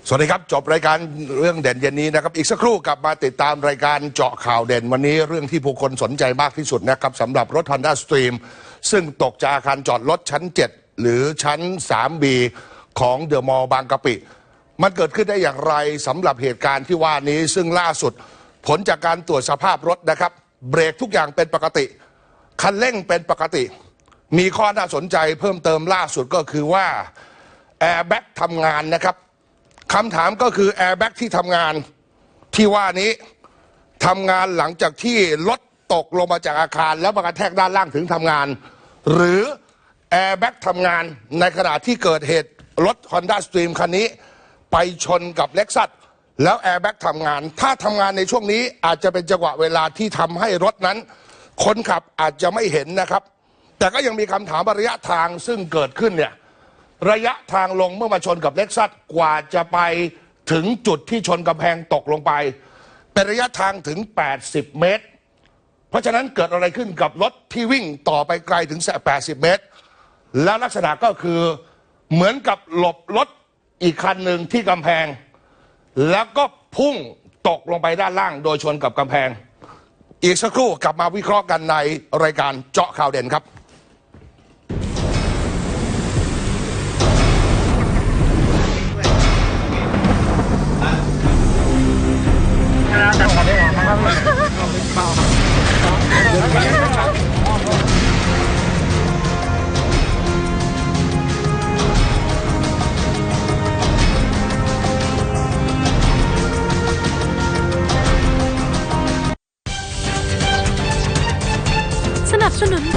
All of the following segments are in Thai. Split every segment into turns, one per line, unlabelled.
สวัสดีครับจบรายการเรื่องเด่นเย็นนี้นะครับอีกสักครู่กลับมาติดตามรายการเจาะข่าวเด่นวันนี้เรื่องที่ผู้คนสนใจมากที่สุดนะครับสำหรับรถ Honda Stream ซึ่งตกจากอาคารจอดรถชั้น 7 หรือชั้น 3B ของเดอะมอลล์บางกะปิมันเกิดขึ้นได้อย่างไรสำหรับเหตุการณ์ที่ว่านี้ซึ่งล่าสุดผลจากการตรวจสภาพรถนะครับเบรกทุกอย่างเป็นปกติคันเร่งเป็นปกติมีข้อน่าสนใจเพิ่มเติมล่าสุดก็คือว่าแอร์แบ็กทำงานนะครับคำถามก็คือแอร์แบ็กที่ทำงานที่ว่านี้ทำงานหลังจากที่รถตกลงมาจากอาคารแล้วมากระแทกด้านล่างถึงทำงานหรือแอร์แบ็กทำงานในขณะที่เกิดเหตุรถ Honda Stream คันนี้ไปชนกับเล็กซัสแล้วแอร์แบ็กทำงานถ้าทำงานในช่วงนี้อาจจะเป็นจังหวะเวลาที่ทำให้รถนั้นคนขับอาจจะไม่เห็นนะครับแต่ก็ยังมีคำถามระยะทางซึ่งเกิดขึ้นเนี่ยระยะทางลงเมื่อมาชนกับเล็กซัสกว่าจะไปถึงจุดที่ชนกำแพงตกลงไปเป็นระยะทางถึง80 เมตรเพราะฉะนั้นเกิดอะไรขึ้นกับรถที่วิ่งต่อไปไกลถึง80 เมตรแล้วลักษณะก็คือเหมือนกับหลบรถอีกคันหนึ่งที่กำแพงแล้วก็พุ่งตกลงไปด้านล่างโดยชนกับกำแพงอีกสักครู่กลับมาวิเคราะห์กันในรายการเจาะข่าวเด่นครับ
สนับสนุน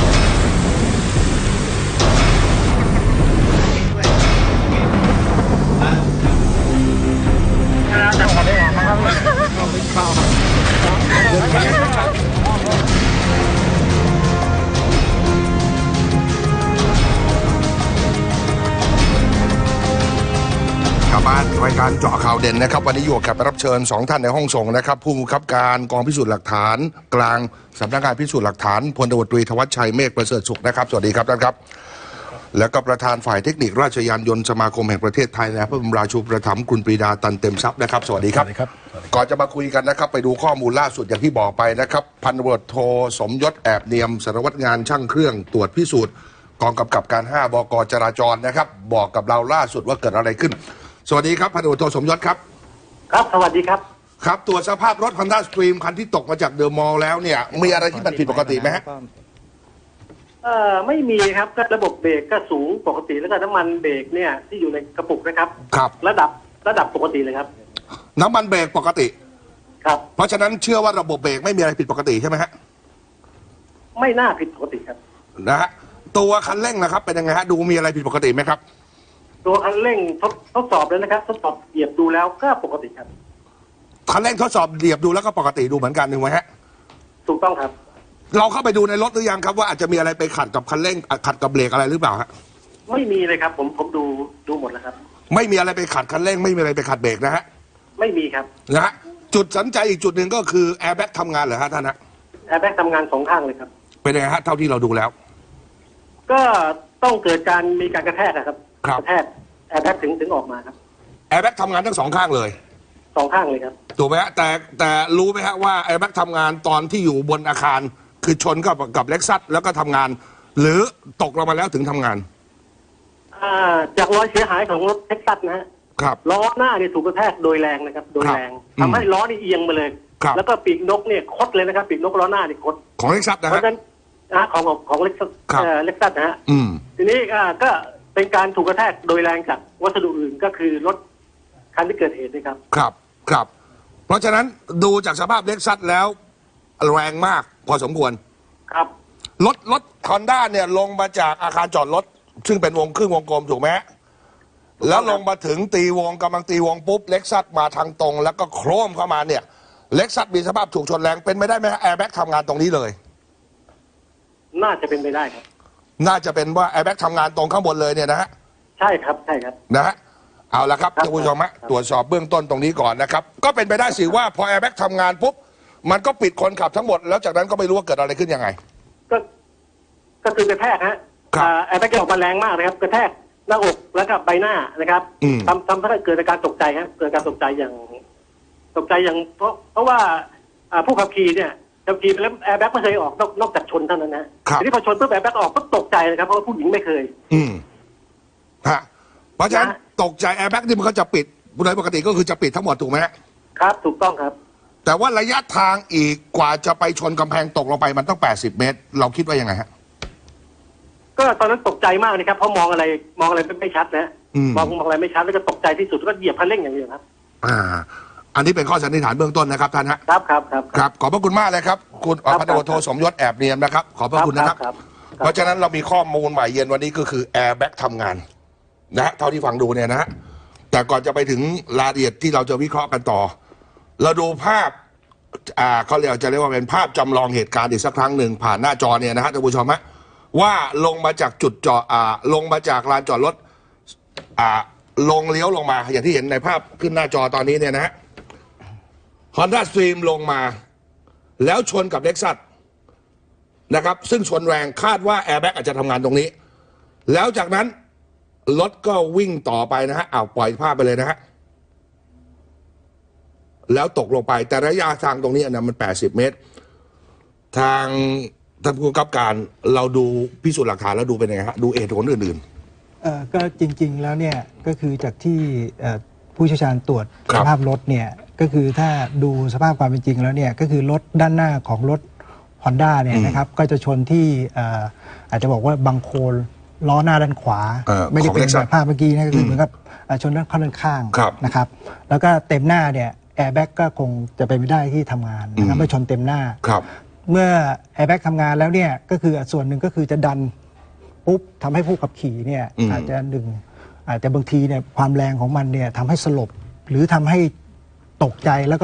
รายการเจาะข่าวเด่นนะครับวันนี้อยู่กับรับเชิญ2ท่านในห้องส่งนะครับผู้บังคับการกองพิสูจน์หลักฐานกลางสำนักงานพิสูจน์หลักฐานพลตำรวจตรีธวัชชัยเมฆประเสริฐสุขนะครับสวัสดีครับท่านครับแล้วก็ประธานฝ่ายเทคนิคราชยานยนต์สมาคมแห่งประเทศไทยและพระบรมราชูปถัมภ์คุณปรีดาตันเต็มทรัพย์นะครับสวัสดีครับก่อนจะมาคุยกันนะครับไปดูข้อมูลล่าสุดอย่างที่บอกไปนะครับพันตำรวจโทสมยศแอบเนียมสารวัตรงานช่างเครื่องตรวจพิสูจน์กองกำกับการ5 บก.จราจรนะครับบอกกับเราล่าสุดว่าเกิดอะไรขึ้นสวัสดีครับพันตำรวจโทสมยศครับ
ครับสวัสดีครับ
ครับตรวจสภาพรถ Honda Stream คันที่ตกมาจากเดอะมอลล์แล้วเนี่ยมีอะไรที่มันผิดปกติไหมฮะ
ไม่มีครับก็ระบบเบรกก็สูงปกติแล้วก็น้ำมันเบรกเนี่ยที่อยู่ในกระปุกนะครับ
ครับ
ระดับปกติเลยครับ
น้ำมันเบรกปกติ
ครับ
เพราะฉะนั้นเชื่อว่าระบบเบรกไม่มีอะไรผิดปกติใช่ไหมฮะ
ไม่น่าผิดปกติครับ
นะฮะตัวคันเร่งนะครับเป็นยังไงฮะดูมีอะไรผิดปกติไหมครับ
ตัวคันเร่งทดสอบแล้วนะครับทดสอบเหยียบดูแล้วก็ปกติครับ
คันเร่งทดสอบเหยียบดูแล้วก็ปกติดูเหมือนกันถูกไหมฮะ
ถูกต้องครับ
เราเข้าไปดูในรถหรือยังครับว่าอาจจะมีอะไรไปขัดกับคันเร่งขัดกับเบรกอะไรหรือเปล่าฮะ
ไม่มีเลยครับผมดูหมดแล้วครับ
ไม่มีอะไรไปขัดคันเร่งไม่มีอะไรไปขัดเบรกนะฮะ
ไม่มีครับ
นะฮะจุดสนใจอีกจุดหนึ่งก็คือแอร์แบ็กทำงานเหรอฮะท่านฮะ
แอร์แบ็กทำงาน2 ข้างเลยครับ
เป็นยังไงฮะเท่าที่เราดูแล้ว
ก็ต้องเกิดมีการกระแทกครับกระแทกแอร์แบ็กถึงออกมาครับ
แอร์แบ็กทำงานทั้ง2 ข้างเลย
2 ข้างเลยครับ
ถูกไหมฮะแต่รู้ไหมฮะว่าแอร์แบ็กทำงานตอนที่อยู่บนอาคารคือชนกับเล็กซัสแล้วก็ทำงานหรือตกลงมาแล้วถึงทำงาน
จากรอยเสียหายของรถเท็กซัสนะฮะ
ครับ
ล้อหน้าเนี่ยถูกกระแทกโดยแรงนะครับโดยแรงทำให้ล้อนี่เอียงมาเลยแล้วก็ปีกนกเนี่ยคดเลยนะครับปีกนกล้อหน้านี่คด
ของเล็กซัสนะฮะ
เพราะฉะนั้นของเล็กซัสนะฮะทีนี้ก็เป็นการถูกกระแทกโดยแรงจากวัสดุอื่นก็คือรถคันที่เกิดเหตุนะครับ
ครับเพราะฉะนั้นดูจากสภาพเล็กซัสแล้วแรงมากพอสมควร
ครับ
รถฮอนด้าเนี่ยลงมาจากอาคารจอดรถซึ่งเป็นครึ่งวงกลมถูกไหมแล้วลงมาถึงกำลังตีวงปุ๊บเล็กซัสมาทางตรงแล้วก็โครมเข้ามาเนี่ยเล็กซัสมีสภาพถูกชนแรงเป็นไม่ได้ไหมแอร์แบ็กทำงานตรงนี้เลย
น่าจะเป็นไปได้ครับ
น่าจะเป็นว่าแอร์แบ็กทำงานตรงข้างบนเลยเนี่ยนะฮะ
ใช่ครับ
นะฮะเอาละครับท่านผู้ชมฮะตรวจสอบเบื้องต้นตรงนี้ก่อนนะครับก็เป็นไปได้สิว่าพอแอร์แบ็กทำงานปุ๊บมันก็ปิดคนขับทั้งหมดแล้วจากนั้นก็ไม่รู้ว่าเกิดอะไรขึ้นยังไง
ก็คือกระแทกฮะแอร์แบ็กออกมาแรงมากเลยครับกระแทกหน้าอกแล้วก็ใบหน้านะครับทำให้เกิดอาการตกใจครับเกิดการตกใจอย่างเพราะว่าผู้ขับขี่เนี่ยขับขี่ไปแล้วแอร์แบ็กไม่เคยออกนอกจากชนเท่านั้นนะทีนี้พอชนปุ๊บแอร์แบ็กออกก็ตกใจนะครับเพราะว่าผู้หญิงไม่เคย
ฮะเพราะฉะนั้นตกใจแอร์แบ็กนี่มันก็จะปิดโดยปกติก็คือจะปิดทั้งหมดถูกไหม
ครับถูกต้องครับ
แต่ว่าระยะทางอีกกว่าจะไปชนกำแพงตกลงไปมันต้อง80 เมตรเราคิดว่ายังไงฮะ
ก็ตอนนั้นตกใจมากนะครับเพราะมองอะไรไม่ชัดนะมองอะไรไม่ชัดแล้วก็ตกใจที่สุดก็เหยียบคันเร่งอย่างเดียวครับ
อันนี้เป็นข้อสันนิษฐานเบื้องต้นนะครับท่านฮะครับขอบพระคุณมากเลยครับคุณพันตำรวจโทสมยศแอบเนียมนะครับขอบพระคุณนะครับเพราะฉะนั้นเรามีข้อมูลใหม่เย็นวันนี้ก็คือแอร์แบ็กทำงานนะฮะเท่าที่ฟังดูเนี่ยนะฮะแต่ก่อนจะไปถึงรายละเอียดที่เราจะวิเคราะห์กันต่อเราดูภาพเขาเรียกว่าเป็นภาพจำลองเหตุการณ์อีกสักครั้งหนึ่งผ่านหน้าจอเนี่ยนะฮะท่านผู้ชมฮะว่าลงมาจากจุดจอดลงมาจากลานจอดรถลงเลี้ยวลงมาอย่างที่เห็นในภาพขึ้นหน้าจอตอนนี้เนี่ยนะฮะ Honda Stream ลงมาแล้วชนกับ Lexus นะครับซึ่งชนแรงคาดว่าแอร์แบ็กอาจจะทำงานตรงนี้แล้วจากนั้นรถก็วิ่งต่อไปนะฮะปล่อยภาพไปเลยนะฮะแล้วตกลงไปแต่ระยะทางตรงนี้นะมัน80 เมตรทางท่านผู้กำกับการเราดูพิสูจน์หลักฐานแล้วดูเป็นไงฮะดูเหตุผลอื่น
ๆก็จริงๆแล้วเนี่ยก็คือจากที่ผู้เชี่ยวชาญตรวจสภาพรถเนี่ยก็คือถ้าดูสภาพความเป็นจริงแล้วเนี่ยก็คือรถด้านหน้าของรถ Honda เนี่ยนะครับก็จะชนที่อาจจะบอกว่าบังโคลล้อหน้าด้านขวาไม่ได้เป็นแบบภาพเมื่อกี้นะก็คือเหมือนกับชนด้านข้างนะครับแล้วก็เต็มหน้าเนี่ยแอร์แบ็กก็คงจะเป็นไม่ได้ที่ทำงานนะครับไม่ชนเต็มหน้าเมื่อแอร์แบ็กทำงานแล้วเนี่ยก็คือส่วนหนึ่งก็คือจะดันปุ๊บทำให้ผู้ขับขี่เนี่ยอาจจะบางทีเนี่ยความแรงของมันเนี่ยทำให้สลบหรือทำให้ตกใจแล้วก็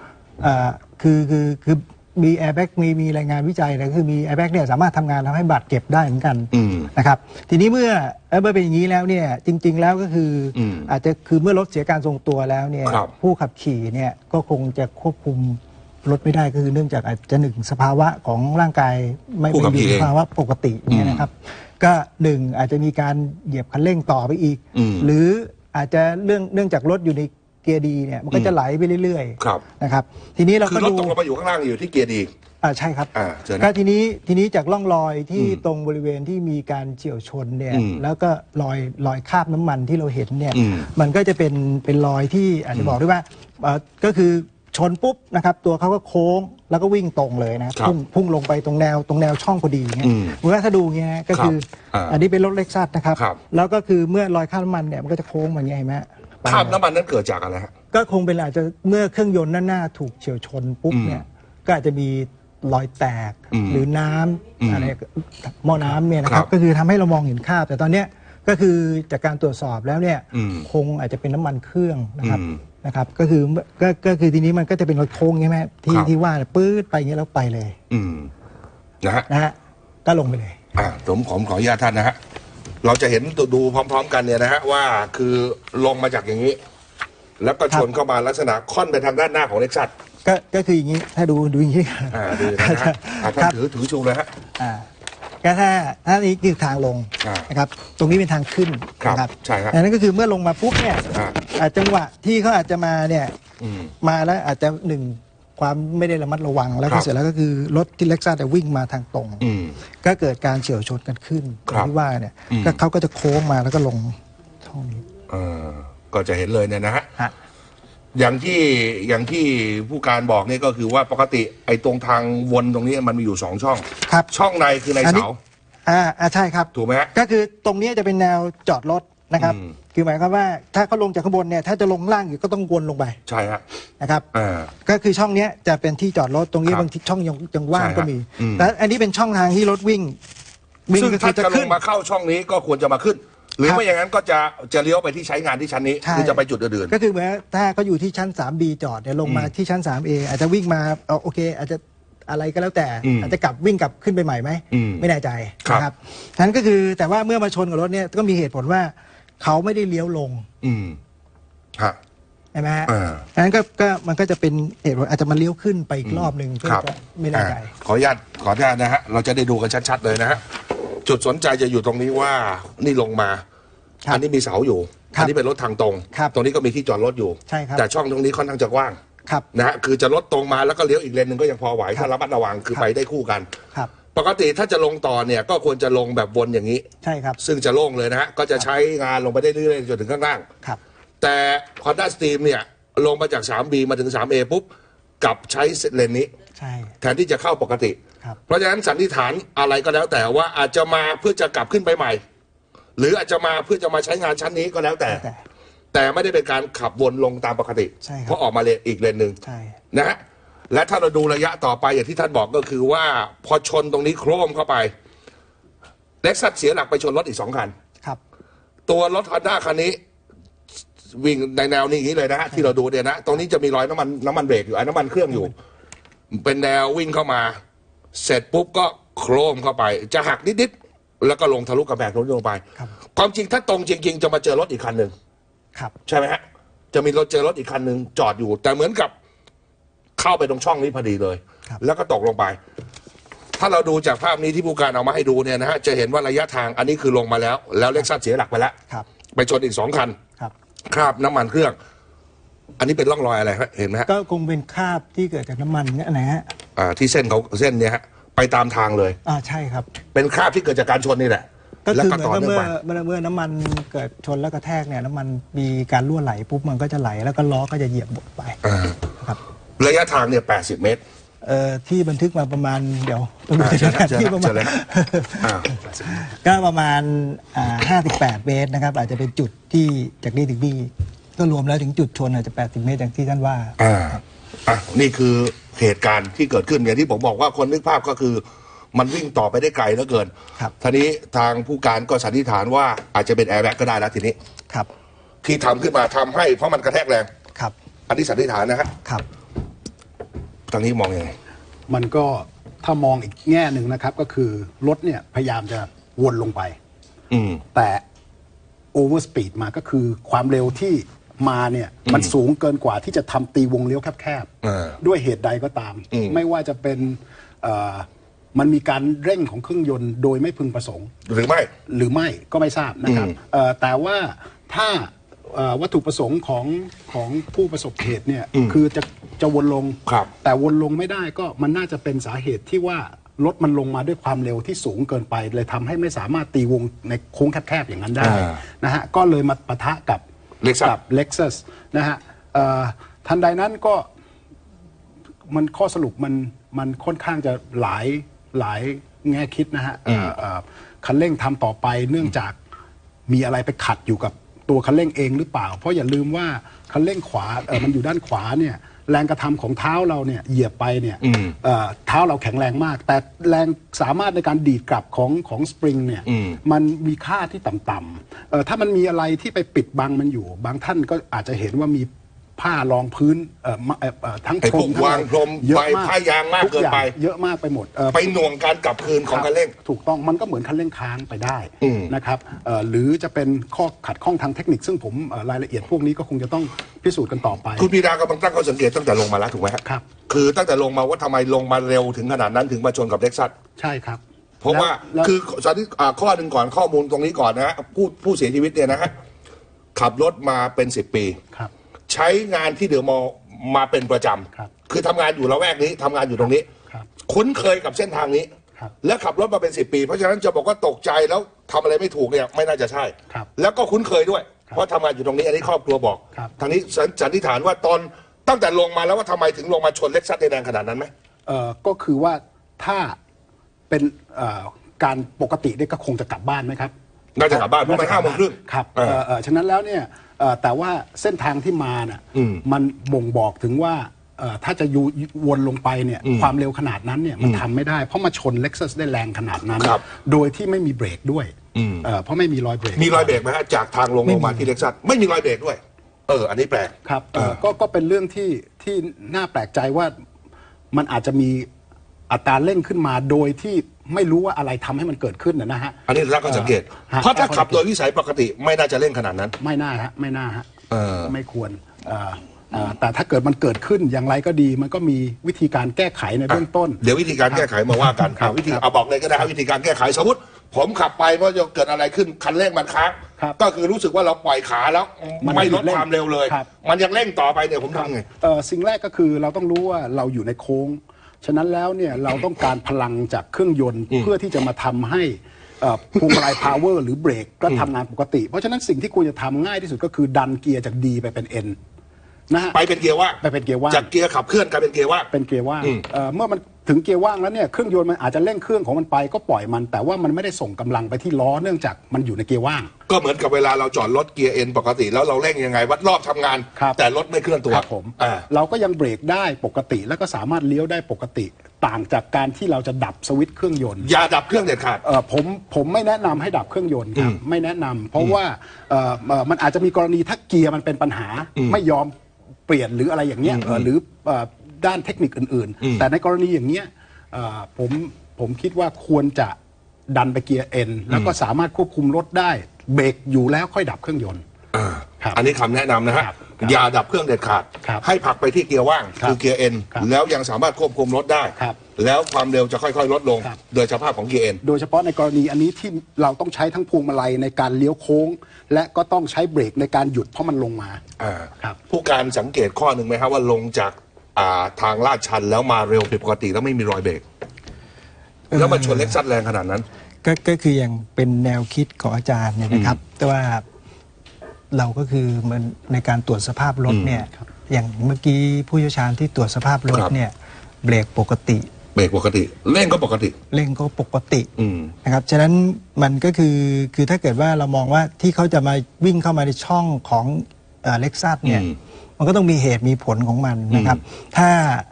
คือมีแอร์แบ็กมีรายงานวิจัยนะคือมีแอร์แบ็กเนี่ยสามารถทำงานทำให้บาดเจ็บได้เหมือนกันนะครับทีนี้เมื่อเป็นอย่างนี้แล้วเนี่ยจริงๆแล้วก็คืออาจจะคือเมื่อรถเสียการทรงตัวแล้วเนี่ยผู้ขับขี่เนี่ยก็คงจะควบคุมรถไม่ได้ก็คือเนื่องจากอาจจะหนึ่งสภาวะของร่างกายไม่เป็นสภาวะปกติเนี่ยนะครับก็หนึ่งอาจจะมีการเหยียบคันเร่งต่อไปอีกหรืออาจจะเนื่องจากรถอยู่ในเกียร์ดีเนี่ยมันก็จะไหลไปเรื่อยๆนะครับทีนี้เราก็ดู
รถตกลงมาอยู่ข้างล่างอยู่ที่เกียร์ดี
ใช่ครับก็ทีนี้จากร่องรอยที่ตรงบริเวณที่มีการเฉี่ยวชนเนี่ยแล้วก็รอยคราบน้ำมันที่เราเห็นเนี่ยมันก็จะเป็นรอยที่อาจจะบอกได้ว่าก็คือชนปุ๊บนะครับตัวเขาก็โค้งแล้วก็วิ่งตรงเลยนะพุ่งลงไปตรงแนวช่องพอดีเงี้ยเมื่อถ้าดูเงี้ยก็คืออันนี้เป็นรถเล็กซัสนะครับแล้วก็คือเมื่อรอยคราบน้ำมันเนี่ยมันก็จะโค้งมาเงี้ยเห็นไหม
คราบน้ำมันนั้นเกิดจากอะไรฮะ
ก็คงเป็นอาจจะเมื่อเครื่องยนต์หน้าถูกเฉี่ยวชนปุ๊บเนี่ยก็อาจจะมีรอยแตกหรือน้ำอะไรหม้อน้ำเนี่ยนะครับก็คือทำให้เรามองเห็นคราบแต่ตอนเนี้ยก็คือจากการตรวจสอบแล้วเนี่ยคงอาจจะเป็นน้ำมันเครื่องนะครับก็คือทีนี้มันก็จะเป็นรถโค้งใช่ไหมที่ว่าปื๊ดไปอย่างเงี้ยแล้วไปเลย
นะฮะ
ก็ลงไปเลย
ผมขออนุญาตท่านนะฮะเราจะเห็นดูพร้อมๆกันเนี่ยนะฮะว่าคือลงมาจากอย่างนี้แล้วก็ชนเข้ามาลักษณะค่อนไปทางด้านหน้าของเล็กซัส
ก็คืออย่างนี้ถ้าดูอย่างนี้
ดูนะฮะท่านถือชูเลยฮะ
ก็ถ้านี้คือทางลงนะครับตรงนี้เป็นทางขึ้น
นะครับใช่ครับ
นั่นก็คือเมื่อลงมาปุ๊บเนี่ยจังหวะที่เขาอาจจะมาเนี่ยมาแล้วอาจจะหนึ่งความไม่ได้ระมัดระวังแล้วก็เสร็จแล้วก็คือรถที่เล็กซัสแต่วิ่งมาทางตรงก็เกิดการเฉี่ยวชนกันขึ้นที่ว่าเนี่ยก็เขาก็จะโค้งมาแล้วก็ลงช่องนี้
ก็จะเห็นเลยเนี่ยนะฮะอย่างที่ผู้การบอกนี่ก็คือว่าปกติไอ้ตรงทางวนตรงนี้มันมีอยู่2ช่องช่องในคือในเสา
ใช่ครับ
ถูกไหม
ก็คือตรงนี้จะเป็นแนวจอดรถนะครับคือหมายความว่าถ้าเขาลงจากข้างบนเนี่ยถ้าจะลงล่างอยู่ก็ต้องวนลงไป
ใช่ครับ
นะครับก็คือช่องนี้จะเป็นที่จอดรถตรงนี้บางทีช่องยังว่างก็มีแต่อันนี้เป็นช่องทางที่รถวิ่ง
ซึ่งถ้าจะลงมาเข้าช่องนี้ก็ควรจะมาขึ้นหรือไม่อย่างนั้นก็จะเลี้ยวไปที่ใช้งานที่ชั้นนี้คือจะไปจุดอื่น
ก็คือเหมือนถ้าเขาอยู่ที่ชั้น 3B จอดเนี่ยลงมาที่ชั้น 3A อาจจะวิ่งมาโอเคอาจจะอะไรก็แล้วแต่อาจจะวิ่งกลับขึ้นไปใหม่ไหมไม่แน่ใจนะครับฉะนั้นก็คือแต่ว่าเมื่อมาชนกับรถเนี่ยก็มีเหตุผลว่าเขาไม่ได้เลี้ยวลงใช่ไหมฮะฉะนั้นก็มันก็จะเป็นเหตุผลอาจจะมาเลี้ยวขึ้นไปอีกรอบหนึ่งเพื่อจะไม่แน่ใจ
ขออนุญาตนะฮะเราจะได้ดูกันชัดๆเลยนะฮะจุดสนใจจะอยู่ตรงนี้ว่านี่ลงมาอันนี้มีเสาอยู่
ครับ
อันนี้เป็นรถทางตรง
ครับ
ตรงนี้ก็มีที่จอดรถอยู่
ใช่ครับ
แต่ช่องตรงนี้ค่อนข้างจะกว้าง
ครับ
นะฮะคือจะรถตรงมาแล้วก็เลี้ยวอีกเลนหนึ่งก็ยังพอไหว
ครับ
ถ้าระมัดระวังคือ
ครับ
ไปได้คู่กัน
ครับ
ปกติถ้าจะลงต่อเนี่ยก็ควรจะลงแบบวนอย่างนี้
ใช่ครับ
ซึ่งจะโล่งเลยนะฮะก็จะใช้งานลงไปได้เรื่อยๆจนถึงข้างล่าง
ครับ
แต่ Honda Stream เนี่ยลงมาจาก 3B มาถึง 3A ปุ๊บกลับใช้เลนนี้
ใช่
แทนที่จะเข้าปกติ
ครับ
เพราะฉะนั้นสันนิษฐานอะไรก็แล้วแต่ว่าอาจจะมาเพื่อจะกลับขึ้นไปใหม่ หรืออาจจะมาเพื่อจะมาใช้งานชั้นนี้ก็แล้วแต่ แต่ไม่ได้เป็นการขับวนลงตามปกติ
ใช่ครับ
เพราะออกมาเลนอีกเลนหนึ่ง
ใช่
นะฮะและถ้าเราดูระยะต่อไปอย่างที่ท่านบอกก็คือว่าพอชนตรงนี้โครมเข้าไปเล็กซัสเสียหลักไปชนรถอีก2 คัน
ครับ
ตัวรถฮอนด้าคันนี้วิ่งในแนวนี้อย่างนี้เลยนะฮะที่เราดูเนี่ยนะตรงนี้จะมีรอยน้ำมันเบรกอยู่น้ำมันเครื่องอยู่ เป็นแนววิ่งเข้ามา เสร็จปุ๊บก็โครมเข้าไป จะหักนิดๆแล้วก็ลงทะลุกระแพงรถลงไป
ครับ
ความจริงถ้าตรงจริง ๆ จะมาเจอรถอีกคันหนึ่ง
ครับ
ใช่ไหมฮะจะมีเจอรถอีกคันหนึ่งจอดอยู่ แต่เหมือนกับเข้าไปตรงช่องนี้พอดีเลย
ครับ
แล้วก็ตกลงไป ถ้าเราดูจากภาพนี้ที่ผู้การเอามาให้ดูเนี่ยนะฮะจะเห็นว่าระยะทางอันนี้คือลงมาแล้วเล็กซัสเสียหลักไปแล้ว
ครับ
ไปชนอีก2 คัน
ครับ
คราบน้ำมันเครื่อง อันนี้เป็นร่องรอยอะไรฮะเห็นไหมฮะ
ก็คงเป็นคราบที่เกิดจากน้ำมันเนี่ยนะฮะ
ที่เส้นเนี่ยฮะไปตามทางเลย
ใช่ครับ
เป็นคราบที่เกิดจากการชนนี่แหละ
ก็
แล้ว
คือ
ก็
เหมือน
ต่อ
กับ
เนื่อง
เมื่อ
ไป
น้ำมันเกิดชนแล้วกระแทกเนี่ยน้ำมันมีการรั่วไหลปุ๊บมันก็จะไหลแล้วก็ล้อก็จะเหยียบบดไป
อ่า
ครับ
ระยะทางเนี่ย80 เมตร
ที่บันทึกมาประมาณเดี๋ยวต้องดู
เชิญ
สถานที่
เชิญ
ประ
เชิ
มาณ
ญเลยอ่า
ก็ประมาณ58 เมตรนะครับ อาจจะเป็นจุดที่จากนี่ถึงนี่ก็รวมแล้วถึงจุดชนอาจจะ80 เมตรอย่างที่ท่านว่า
นี่คือเหตุการณ์ที่เกิดขึ้นอย่างที่ผมบอกว่าคนนึกภาพก็คือ มันวิ่งต่อไปได้ไกลเหลือเกิน
ครับ
ทีนี้ทางผู้การก็สันนิษฐานว่าอาจจะเป็นแอร์แบ็กก็ได้แล้วทีนี้
ครับ
ที่ทำขึ้นมาทำให้เพราะมันกระแทกแรง
ครับ
อันนี้สันนิษฐานนะฮะ
ครับ
ทางนี้มองยังไง
มันก็ถ้ามองอีกแง่หนึ่งนะครับ ก็คือรถเนี่ยพยายามจะวนลงไป
อืม
แต่โอเวอร์สปีดมาก็คือความเร็วที่มาเนี่ยมันสูงเกินกว่าที่จะทำตีวงเลี้ยวแคบ
อ่า
ด้วยเหตุใดก็ตาม
อืม
ไม่ว่าจะเป็นมันมีการเร่งของเครื่องยนต์โดยไม่พึงประสงค์
หรือไม่
หรือไม่ก็ไม่ทราบนะครับ แต่ว่าถ้าวัตถุประสงค์ของผู้ประสบเหตุเนี่ยคือจะวนลง
ครับ
แต่วนลงไม่ได้ก็มันน่าจะเป็นสาเหตุที่ว่ารถมันลงมาด้วยความเร็วที่สูงเกินไป เลยทำให้ไม่สามารถตีวงในโค้งแคบๆอย่างนั้นได้นะฮะก็เลยมาปะทะกับ
Lexus
กับ Lexus นะฮะทันใดนั้นก็มันข้อสรุปมันค่อนข้างจะหลายแง่คิดนะฮะคันเร่งทำต่อไปเนื่องจากมีอะไรไปขัดอยู่กับตัวคันเร่งเองหรือเปล่า เพราะอย่าลืมว่าคันเร่งขวามันอยู่ด้านขวาเนี่ยแรงกระทำของเท้าเราเนี่ยเหยียบไปเนี่ยเท้าเราแข็งแรงมาก แต่แรงสามารถในการดีดกลับของสปริงเนี่ยมันมีค่าที่ต่ำๆถ้ามันมีอะไรที่ไปปิดบังมันอยู่ บางท่านก็อาจจะเห็นว่ามีผ้ารองพื้นทั้ง
ไอ้
พร
พว
ม
ก
ทั้ง
วางพรม
เยอะ
ใบ
มาก
ผ้ายางมาก
ทุ
เกินไป
อย่างเยอะมากไปหมด
ไปหน่วงการกลับคืนของคันเร่ง
ถูกต้องมันก็เหมือนคันเร่งค้างไปได้นะครับหรือจะเป็นข้อขัดข้องทางเทคนิค ซึ่งผมรายละเอียดพวกนี้ก็คงจะต้องพิสูจน์กันต่อไป
คุณพีดากำลังตั้งข้อสังเกตตั้งแต่ลงมาแล้วถูกไหมฮะ
ครับ
คือตั้งแต่ลงมาว่าทำไมลงมาเร็วถึงขนาดนั้นถึงมาชนกับเล็กซัส
ใช่ครับ
เพราะว่า
แล้ว
คือสันนิษข้อหนึ่งก่อนข้อมูลตรงนี้ก่อนนะฮะผู้เสียชีวิตเนี่ยนะฮะขับรถมาเป็น10 ปี
ครับ
ใช้งานที่เดอะมอลล์มาเป็นประจ
ครับ
ำคือทำงานอยู่ละแวกนี้ทำงานอยู่ตรงนี้
ครับ
คุ้นเคยกับเส้นทางนี้
ครับ
และขับรถมาเป็น10 ปี เพราะฉะนั้นจะบอกว่าตกใจแล้วทำอะไรไม่ถูกเนี่ยไม่น่าจะใช่
ครับ
แล้วก็คุ้นเคยด้วย เพราะทำงานอยู่ตรงนี้อันนี้ครอบครัวบอก
ครับ
ทางนี้สันนิษฐานว่าตอนตั้งแต่ลงมาแล้วว่าทำไมถึงลงมาชนเล็กซัสในแรงขนาดนั้นไหม
ก็คือว่าถ้าเป็นการปกติเนี่ยก็คงจะกลับบ้านไหมครับ
น่าจะกลับบ้านเพราะมัน5 โมงครึ่ง
ครับฉะนั้นแล้วเนี่ยแต่ว่าเส้นทางที่มาน่ะมันบ่งบอกถึงว่าถ้าจะวนลงไปเนี่ยความเร็วขนาดนั้นเนี่ยมันทำไม่ได้เพราะมาชน Lexus ได้แรงขนาดนั้น
ครับ
โดยที่ไม่มีเบรกด้วยเพราะไม่มีรอยเบรก
มีรอยเบรกไหมฮะจากทางลงมาที่เล็กซัสไม่มีรอยเบรกด้วย อันนี้แปลก
ครับก็เป็นเรื่องที่น่าแปลกใจว่ามันอาจจะมีอัตราเร่งขึ้นมาโดยที่ไม่รู้ว่าอะไรทำให้มันเกิดขึ้นนะฮะ
อันนี้รักก็สังเกต เพราะถ้าขับโดยวิสัยปกติไม่น่าจะเร่งขนาดนั้น
ไม่น่าฮะไม่ควรแต่ถ้าเกิดมันเกิดขึ้นอย่างไรก็ดี มันก็มีวิธีการแก้ไขในเบื้องต้น
เดี๋ยววิธีการแก้ไขมาว่ากัน
ครับ
วิธีเอาบอกเลยก็ได้วิธีการแก้ไขสมมติผมขับไปเพราะจะเกิดอะไรขึ้นคันเร่งมันค้าง
ครับ
ก็คือรู้สึกว่าเราปล่อยขาแล้ว
มัน
ไม่ลด
หยุดเร่ง
ความเร็วเลย
ครับ
มันยังเร่งต่อไปเนี่ยผมทำไง
สิ่งแรกก็คือเราต้องรู้ว่าเราอยู่ในโค้ง ฉะนั้นแล้วเนี่ยเราต้องการพลังจากเครื่องยนต์เพื่อที่จะมาทำให้พวงมาลัยพาวเวอร์หรือเบรกก็ทำงานปกติ เพราะฉะนั้นสิ่งที่ควรจะทำง่ายที่สุดก็คือดันเกียร์จาก D ไปเป็น N นะฮะ
ไปเป็นเกียร์ว่าง
ไปเป็นเกียร์ว่าง
จากเกียร์ขับเคลื่อนกลายเป็นเกียร์ว่าง
เป็นเกียร์ว่างเมื่อมันถึงเกียร์ว่างแล้วเนี่ยเครื่องยนต์มันอาจจะเร่งเครื่องของมันไปก็ปล่อยมัน แต่ว่ามันไม่ได้ส่งกำลังไปที่ล้อเนื่องจากมันอยู่ในเกียร์ว่าง
ก็เหมือนกับเวลาเราจอดรถเกียร์เอ็นปกติ แล้วเราเร่งยังไงวัดรอบทำงาน
ครับ
แต่รถไม่เคลื่อนตัว
ครับผม
อ่า
เราก็ยังเบรกได้ปกติแล้วก็สามารถเลี้ยวได้ปกติ ต่างจากการที่เราจะดับสวิตช์เครื่องยนต์
อย่าดับเครื่องเด็ดขาด
ผมไม่แนะนำให้ดับเครื่องยนต์ครับไม่แนะนำเพราะว่ามันอาจจะมีกรณีถ้าเกียร์มันเป็นปัญหาไม่ยอมเปลี่ยนหรืออะไรอย่างเงี้ยหรือด้านเทคนิคอื่นๆ แต่ในกรณีอย่างเงี้ยผมคิดว่าควรจะดันไปเกียร์เอ็นแล้วก็สามารถควบคุมรถได้เบรกอยู่แล้วค่อยดับเครื่องยนต์ ครับ
อันนี้คำแนะนำนะฮะ
ครับ
อย่าดับเครื่องเด็ดขาด
ครับ
ให้ผลักไปที่เกียร์ว่าง
ครับ
คือเกียร์เอ็น
ครับ
แล้วยังสามารถควบคุมรถได้
ครับ
แล้วความเร็วจะค่อยๆลดลง
ครับ
โดยสภาพของเกียร์เอ็น
โดยเฉพาะในกรณีอันนี้ที่เราต้องใช้ทั้งพวงมาลัยในการเลี้ยวโค้ง และก็ต้องใช้เบรกในการหยุดเพราะมันลงมา ครับ
ผู้การสังเกตข้อหนึ่งไหมครับว่าลงจากทางลาดชันแล้วมาเร็วผิดปกติแล้วไม่มีรอยเบรกแล้วมาชนเล็กซัสแรงขนาดนั้น
ก็คืออย่างเป็นแนวคิดของอาจารย์เนี่ยนะครับ แต่ว่าเราก็คือเหมันในการตรวจสภาพรถเนี่ยอย่างเมื่อกี้ผู้เชี่ยวชาญที่ตรวจสภาพรถ
ครับ
เนี่ยเบรกปกติ
เบรกปกติเร่งก็ปกติ
เร่งก็ปกติ
อืม
นะครับฉะนั้นมันก็คือถ้าเกิดว่าเรามองว่าที่เขาจะมาวิ่งเข้ามาในช่องของเล็กซัสเนี่ย มันก็ต้องมีเหตุมีผลของมันนะครับ ถ้า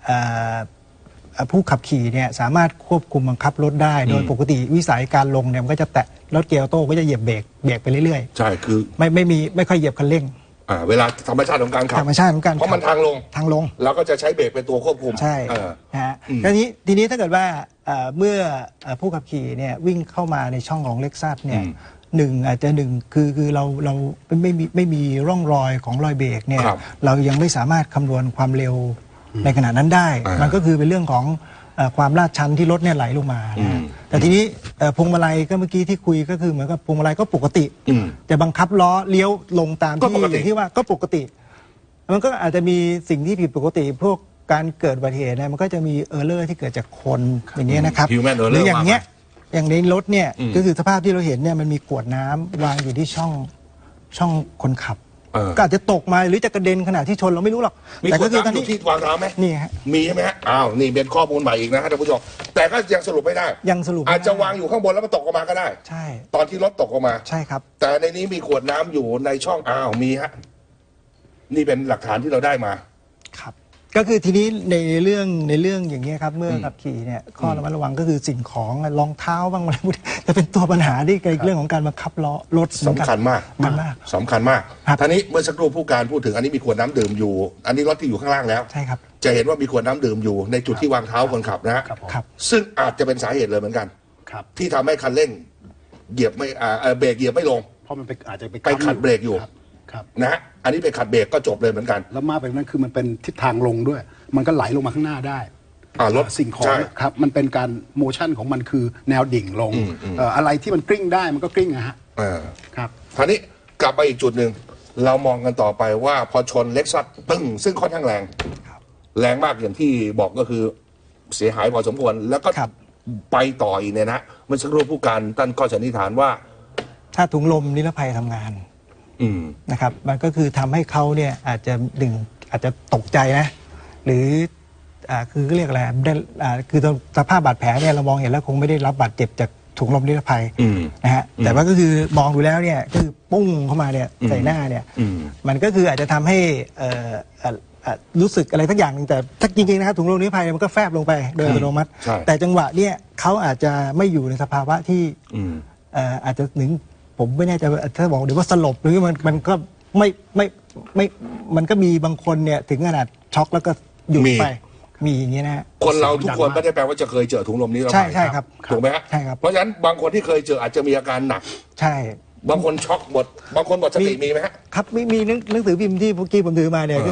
ผู้ขับขี่เนี่ยสามารถควบคุมบังคับรถได้ โดยปกติวิสัยการลงเนี่ยมันก็จะแตะรถเกียร์ออโต้ก็จะเหยียบเบรกไปเรื่อย
ใช่คือ
ๆไม่ค่อยเหยียบคันเร่ง
เวลาธรรมชาติของการขับ
ธรรมชาติของการ
เพราะมันทางลง
ทางลง
เราก็จะใช้เบรกเป็นตัวควบคุม
ใช่
เออ
นะฮะทีนี้ถ้าเกิดว่าเมื่อผู้ขับขี่เนี่ยวิ่งเข้ามาในช่องของเล็กซัสเนี่ยอาจจะคือเราไม่มีร่องรอยของรอยเบรกเนี่ย
ครับ
เรายังไม่สามารถคำนวณความเร็วในขณะนั้นได้ มันก็คือเป็นเรื่องของความลาดชันที่รถเนี่ยไหลลงมานะฮะแต่ทีนี้พวงมาลัยก็เมื่อกี้ที่คุยก็คือเหมือนกับพวงมาลัยก็ปกติแต่บังคับล้อเลี้ยวลงตาม
ก็
ที่
ปกติ
อย่างที่ว่าก็ปกติ มันก็อาจจะมีสิ่งที่ผิดปกติพวกการเกิดอุบัติเหตุเนี่ยมันก็จะมีเออร์เลอร์ที่เกิดจากคนอย่างเงี้ยนะครับ
Human error
หรืออย่างเงี้ย
มาก
อย่างในรถเนี่ยก็คือสภาพที่เราเห็นเนี่ยมันมีกรวดน้ำวางอยู่ที่ช่องคนขับ ก็อาจจะตกมาหรือจะกระเด็นขณะที่ชนเราไม่รู้หรอก
มี
แต่
คน
ก็คือตอน
น้ำอ
นี้
ยู่ที่วางเท้าไหม
นี่ฮะ
มีใช่ไหมฮะอ้าวนี่เป็นข้อมูลใหม่อีกนะฮะท่านผู้ชมแต่ก็ยังสรุปไม่ได้
ยังสรุปไม่ได้
อาจจะวางอยู่ข้างบนแล้วมันตกออกมาก็ได้
ใช่
ตอนที่รถตกออกมา
ใช่ครับ
แต่ในนี้มีขวดน้ำอยู่ในช่องอ้าวมีฮะนี่เป็นหลักฐานที่เราได้มา
ครับก็คือทีนี้ในเรื่องอย่างเงี้ยครับเมื่อขับขี่เนี่ยข้อระมัดระวังก็คือสิ่งของรองเท้าบ้างอะไรพวกนี้จะเป็นตัวปัญหาที่ในเรื่องของการบังคับล้อรถ
สำคัญมาก
มันมาก
สำคัญมาก
ครับ
ท่านี้เมื่อสักครู่ผู้การพูดถึงอันนี้มีขวดน้ำดื่มอยู่ อันนี้รถที่อยู่ข้างล่างแล้ว
ใช่ครับ
จะเห็นว่ามีขวดน้ำดื่มอยู่ในจุดที่วางเท้าคนขับนะฮะ
ครับผม
ครับ
ซึ่งอาจจะเป็นสาเหตุเลยเหมือนกัน
ครับ
ที่ทำให้คันเร่งเหยียบไม่เบรกเหยียบไม่ลง
เพราะมันอาจจะไป
ไปขัดเบรกอยู่
ครับ
นะฮะอันนี้ไปขัดเบรกก็จบเลยเหมือนกัน
แล้วมากไปกว่านั้นคือมันเป็นทิศทางลงด้วย มันก็ไหลลงมาข้างหน้าได้
รถ
สิ่งของ
ใช่
ครับมันเป็นการโมชั่นของมันคือแนวดิ่งลงอะไรที่มันกลิ้งได้มันก็กลิ้งนะฮะ ครับ
ทีนี้กลับไปอีกจุดหนึ่งเรามองกันต่อไปว่าพอชนเล็กซัสตึ้งซึ่งค่อนข้างแรงแรงมากอย่างที่บอกก็คือเสียหายพอสมควรแล้วก็
ครับ
ไปต่ออีกเนี่ยนะเมื่อสักครู่ผู้การท่านก็สันนิษฐานว่า
ถ้าถุงลมนิรภัยทำงาน
อืม
นะครับมันก็คือทำให้เขาเนี่ยอาจจะตกใจนะหรือคือเรียกอะไรได้คือสภาพบาดแผลเนี่ยเรามองเห็นแล้วคงไม่ได้รับบาดเจ็บจากถุงลมนิรภัยนะฮะแต่ว่าก็คือมองดูแล้วเนี่ยก็คือปุ้งเข้ามาเนี่ยใส่หน้าเนี่ยมันก็คืออาจจะทำให้รู้สึกอะไรสักอย่างหนึงแต่ถ้าจริงๆนะครับถุงลมนิรภัยมันก็แฟบลงไปโดยอัตโนมัติ
ใช่
แต่จังหวะเนี่ยเขาอาจจะไม่อยู่ในสภาวะที่อาจจะถึงผมไม่แน่ใจว่าถ้าบอกเดี๋ยวว่าสลบหรือมันก็ไม่มันก็มีบางคนเนี่ยถึงขนาดช็อกแล้วก็หยุดไปมีอย่างเงี้ยนะฮะ
คนเราทุกคนไม่ได้แปลว่าจะเคยเจอถุงลมนี้เรา
ใช่ใช่ครับ
ถูกไหมฮะ
ใช่ครับ
เพราะฉะนั้นบางคนที่เคยเจออาจจะมีอาการหนัก
ใช่
บางคนช็อกหมดบางคนหมดสติมีไหมฮะ
ครับมีหนังสือพิมพ์ที่เมื่อกี้ผมถือมาเนี่ยก็คือ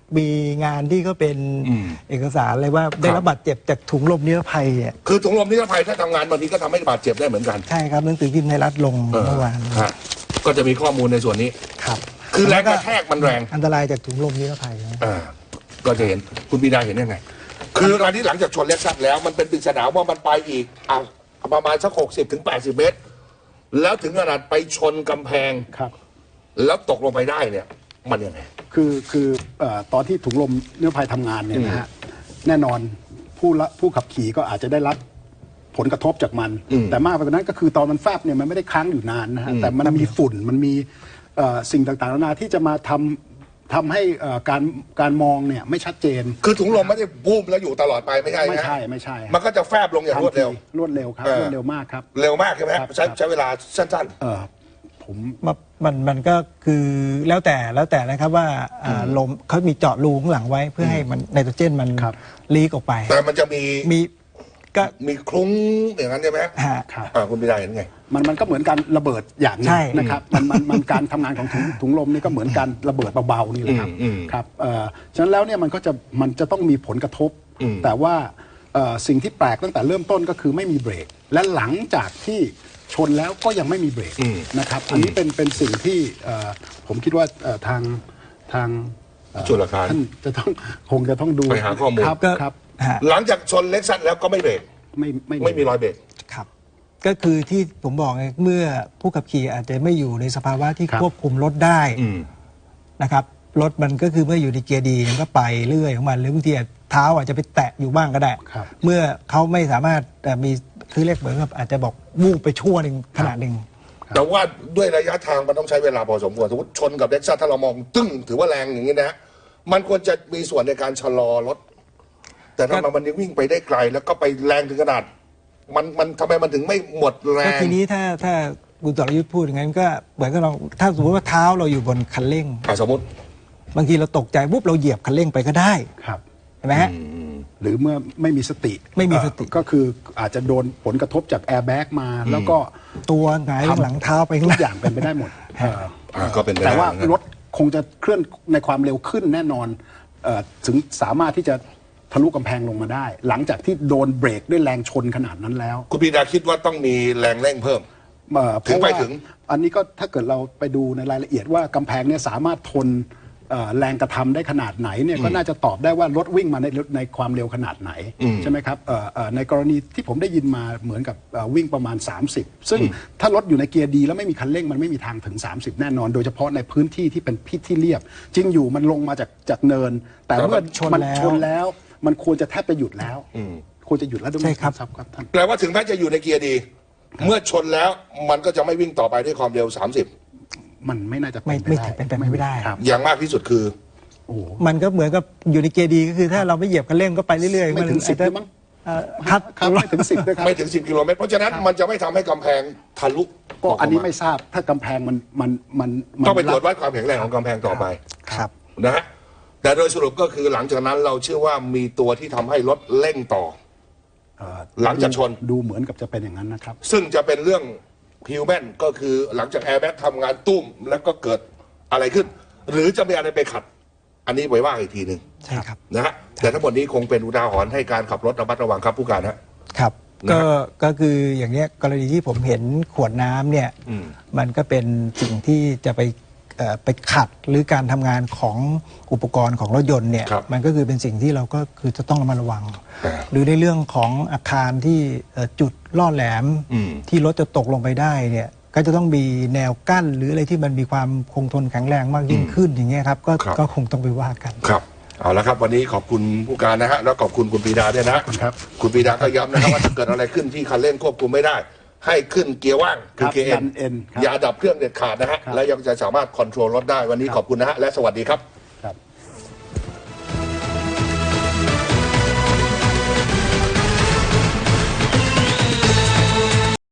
มีงานที่ก็เป็นเอกสารเลยว่าได้รับบาดเจ็บจากถุงลมนิรภัยเนี่ย
คือถุงลมนิรภัยถ้าทำงานบางทีก็ทำให้บาดเจ็บได้เหมือนกัน
ใช่ครับหนังสือพิมพ์ไทยรัฐลงเมื่อวาน
ฮะก็จะมีข้อมูลในส่วนนี้
ครับ
คือแรงกระแทกมันแรง
อันตรายจากถุงลมนิรภัยนะ
ก็จะเห็นคุณปีดาเห็นยังไง คือการที่หลังจากชนเล็กซัสแล้วมันเป็นปริศนาว่ามันไปอีกประมาณสัก60-80 เมตร แล้วถึงขนาดไปชนกำแพง
ครับ
แล้วตกลงไปได้เนี่ยมันยังไง
คือตอนที่ถุงลมนิรภัยทำงานเนี่ยนะฮะแน่นอนผู้ขับขี่ก็อาจจะได้รับผลกระทบจากมัน แต่มากไปกว่านั้นก็คือตอนมันแฟบเนี่ยมันไม่ได้ค้างอยู่นานนะฮะแต่มันมีฝุ่นมันมีสิ่งต่างๆนานาที่จะมาทำให้การมองเนี่ยไม่ชัดเจน
คือถุงลมไม่ได้บูมแล้วอยู่ตลอดไปไม่ใช่
ไม่
นะ
ใช่ไม่ใช่
มันก็จะแฟบลงอย่างรวดเร็ว
รวดเร็วครับรวดเร็วมากครับ
เร็วมากใช่ไหม
ครับ
ใช้เวลาสั้น
ผม
มันก็คือแล้วแต่นะครับว่าลมเขามีเจาะรูข้างหลังไว้เพื่อให้มันไนโตรเจนมันลีกออกไป
ๆ แต่มันจะมี
ก็
มีคลุ้งอย่างนั้นใช่ไหม
ครับ
คุณปีดาเห็นไง
มันก็เหมือนการระเบิดอย่างหนึ
ใช่
งนะครับมันการทำงานของถุงลมนี่ก็เหมือนการระเบิดเบาๆนี่แหละครับครับฉะนั้นแล้วเนี่ยมันจะต้องมีผลกระทบ แต่ว่าสิ่งที่แปลกตั้งแต่เริ่มต้นก็คือไม่มีเบรก และหลังจากที่ชนแล้วก็ยังไม่มีเบรกนะครับอันนี้เป็นสิ่งที่ผมคิดว่าทาง
จุลการ
ท่านจะต้องคงจะต้องดู
ไปหาข้อมูล
ครับ
ก็
ครับ
หลังจากชนเล็กซัสแล้วก็ไม่เบรก ไม่มีรอยเบรก
ครับก็คือที่ผมบอกไงเมื่อผู้ขับขี่อาจจะไม่อยู่ในสภาวะที่
ครับ
ควบคุมรถได้นะครับรถมันก็คือเมื่ออยู่ในเกียร์ดีมันก็ไปเรื่อยของมันหรือบางทีเท้าอาจจะไปแตะอยู่บ้างก็ได้
ครับ
เมื่อเขาไม่สามารถมีคือเรียกเหมือนกับอาจจะบอกวูบไปชั่วหนึ่งขณะหนึ่ง
แต่ว่าด้วยระยะทางมันต้องใช้เวลาพอสมควรสมมติชนกับเล็กซัสถ้าเรามองตึ้งถือว่าแรงอย่างนี้นะมันควรจะมีส่วนในการชะลอรถ แต่ทำไมมันยังวิ่งไปได้ไกล แล้วก็ไปแรงถึงขนาดมันทำไมมันถึงไม่หมดแร
ก็
ง
ทีนี้ถ้าคุณต่อรยุทธ์พูดอย่างนั้นก็เหมือนกับเราถ้าสมมติว่าเท้าเราอยู่บนคันเร่ง
สมมติ
บางทีเราตกใจปุ๊บเราเหยียบคันเร่งไปก็ได้
ครับ
เห็นไหมฮะ
หรือเมื่อไม่มีสติ
ไม่มีสติ
ก็คืออาจจะโดนผลกระทบจากแอร์แบ็กมา แล้วก็
ตัวหงายหลังเท้าไปข้าง
ทุ
ห
ก
น้า
อย่างเป็นไปได้หมด
ก็เป็นไปได้
แต่ว่า
นะ
รถคงจะเคลื่อนในความเร็วขึ้นแน่นอนถึงสามารถที่จะทะลุกำแพงลงมาได้ หลังจากที่โดนเบรกด้วยแรงชนขนาดนั้นแล้ว
คุณปีดาคิดว่าต้องมีแรงเร่งเพิ่ม
เพราะว่า
ถึง
อันนี้ก็ถ้าเกิดเราไปดูในรายละเอียดว่ากำแพงเนี่ยสามารถทนแรงกระทำได้ขนาดไหนเนี่ยก็น่าจะตอบได้ว่ารถวิ่งมาในความเร็วขนาดไหนใช่ไหมครับในกรณีที่ผมได้ยินมาเหมือนกับวิ่งประมาณ 30 ซึ่งถ้ารถอยู่ในเกียร์ดีแล้วไม่มีคันเร่งมันไม่มีทางถึง 30 แน่นอน โดยเฉพาะในพื้นที่ที่เป็นพิษที่เรียบ จริงอยู่มันลงมาจากเนิน แต่เมื่อ
มัน
มัน
ช
ช
น
น
แล้ว
แล้วมันควรจะแทบจะหยุดแล้วควรจะหยุดแล้วด้วย
ใช่ครับ
ครับท่าน
แปลว่าถึงแม้จะอยู่ในเกียร์ดี เมื่อชนแล้วมันก็จะไม่วิ่งต่อไปด้วยความเร็ว 30
มันไม่น่าจะ
ไม่
เป็นไป
เป็นไปไม่ได้
ครับ
อย่างมากที่สุดคือ
โอ้โห
มันก็เหมือนกับอยู่ในเกียร์ดีก็คือถ้าเราไม่เหยียบคันเร่งก็ไปเรื่อยๆ
ไม่ถึง
น
10ด้วยมั้ง
ครับ
ครับไม่ถึง 10ด้วยครับ
ไม่ถึง 10 กิโลเมตรเพราะฉะนั้นมันจะไม่ทำให้กำแพงทะลุ
ก็อันนี้
กา
ไม่ทราบถ้ากำแพงมัน
ต้องไปตรวจวัดความแข็งแรงของกำแพงต่อไป
ครับ
นะฮะแต่โดยสรุปก็คือหลังจากนั้นเราเชื่อว่ามีตัวที่ทำให้รถเร่งต่อ หลังจากชน
ดูเหมือนกับจะเป็นอย่างนั้นนะครับ
ซึ่งจะเป็นเรื่องฮิวแมนก็คือหลังจากแอร์แบ็กทำงานตุ้มแล้วก็เกิดอะไรขึ้น หรือจะมีอะไรไปขัด อันนี้ไว้ว่าอีกทีหนึ่ง
ใช่ครับ
นะฮะแต่ทั้งหมดนี้คงเป็นอุทาหรณ์ให้การขับรถระมัดระวังครับผู้การฮะ
ครับ
นะ
ก็คืออย่างเนี้ยกรณีที่ผมเห็นขวดน้ำเนี่ยมันก็เป็นสิ่งที่จะไปขัดหรือการทำงานของอุปกรณ์ของรถยนต์เนี่ย
ครับ
มันก็คือเป็นสิ่งที่เราก็คือจะต้องระมัดระวัง หรือในเรื่องของอาคารที่จุดล่อแหลมที่รถจะตกลงไปได้เนี่ยก็จะต้องมีแนวกั้นหรืออะไรที่มันมีความคงทนแข็งแรงมากยิ่งขึ้นอย่างเงี้ยครับก็คงต้องไปว่ากัน
ครับเอาละครับวันนี้ขอบคุณผู้การนะฮะแล้วขอบคุณคุณปรีดาด้วยนะครับ คุณปรีดาก็ย้ำนะครับว่าถ้าเกิดอะไรขึ้นที่คันเร่งควบคุมไม่ได้ ให้ขึ้นเกียร์ว่างคือ
ครับ
เกียร์
ดัน N ครับ
อย่าดับเครื่องเด็ดขาดนะฮะ
ครับ
และยังจะสามารถคอนโทรลรถได้วันนี้ขอบคุณนะฮะและสวัสดีครับ